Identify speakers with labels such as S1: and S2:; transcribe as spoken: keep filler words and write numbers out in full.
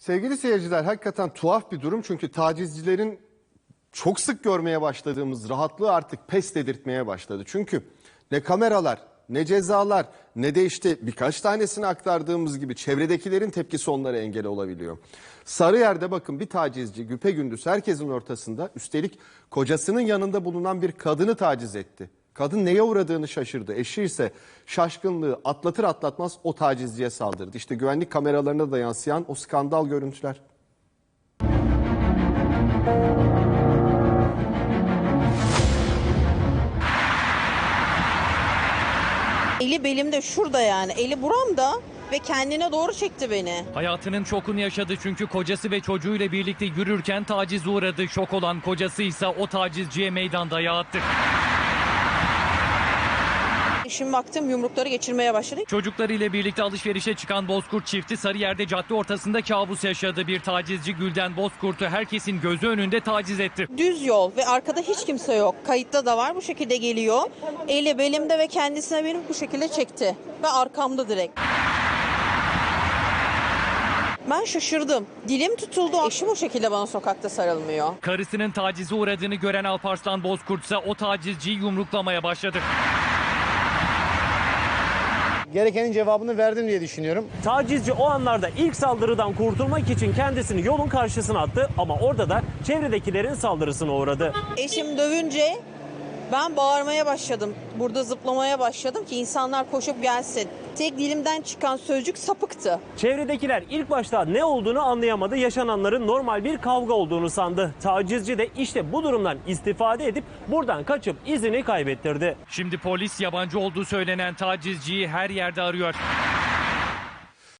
S1: Sevgili seyirciler, hakikaten tuhaf bir durum çünkü tacizcilerin çok sık görmeye başladığımız rahatlığı artık pes dedirtmeye başladı. Çünkü ne kameralar, ne cezalar, ne de işte birkaç tanesini aktardığımız gibi çevredekilerin tepkisi onlara engel olabiliyor. Sarıyer'de bakın bir tacizci güpegündüz herkesin ortasında, üstelik kocasının yanında bulunan bir kadını taciz etti. Kadın neye uğradığını şaşırdı. Eşi ise şaşkınlığı atlatır atlatmaz o tacizciye saldırdı. İşte güvenlik kameralarına da yansıyan o skandal görüntüler.
S2: Eli belimde, şurada yani. Eli buramda ve kendine doğru çekti beni.
S3: Hayatının şokunu yaşadı çünkü kocası ve çocuğuyla birlikte yürürken tacize uğradı. Şok olan kocası ise o tacizciye meydan dayağı attı.
S2: Şimdi baktım yumrukları geçirmeye başladı.
S3: Çocuklarıyla birlikte alışverişe çıkan Bozkurt çifti Sarıyer'de cadde ortasında kabus yaşadı. Bir tacizci Gülden Bozkurt'u herkesin gözü önünde taciz etti.
S2: Düz yol ve arkada hiç kimse yok. Kayıtta da var, bu şekilde geliyor. Eli belimde ve kendisine beni bu şekilde çekti. Ve arkamda direkt. Ben şaşırdım. Dilim tutuldu. Eşim o şekilde bana sokakta sarılmıyor.
S3: Karısının tacize uğradığını gören Alparslan Bozkurt ise o tacizciyi yumruklamaya başladı.
S4: Gerekenin cevabını verdim diye düşünüyorum.
S5: Tacizci o anlarda ilk saldırıdan kurtulmak için kendisini yolun karşısına attı ama orada da çevredekilerin saldırısına uğradı.
S2: Eşim dövünce ben bağırmaya başladım. Burada zıplamaya başladım ki insanlar koşup gelsin. Tek dilimden çıkan sözcük sapıktı.
S5: Çevredekiler ilk başta ne olduğunu anlayamadı. Yaşananların normal bir kavga olduğunu sandı. Tacizci de işte bu durumdan istifade edip buradan kaçıp izini kaybettirdi.
S3: Şimdi polis yabancı olduğu söylenen tacizciyi her yerde arıyor.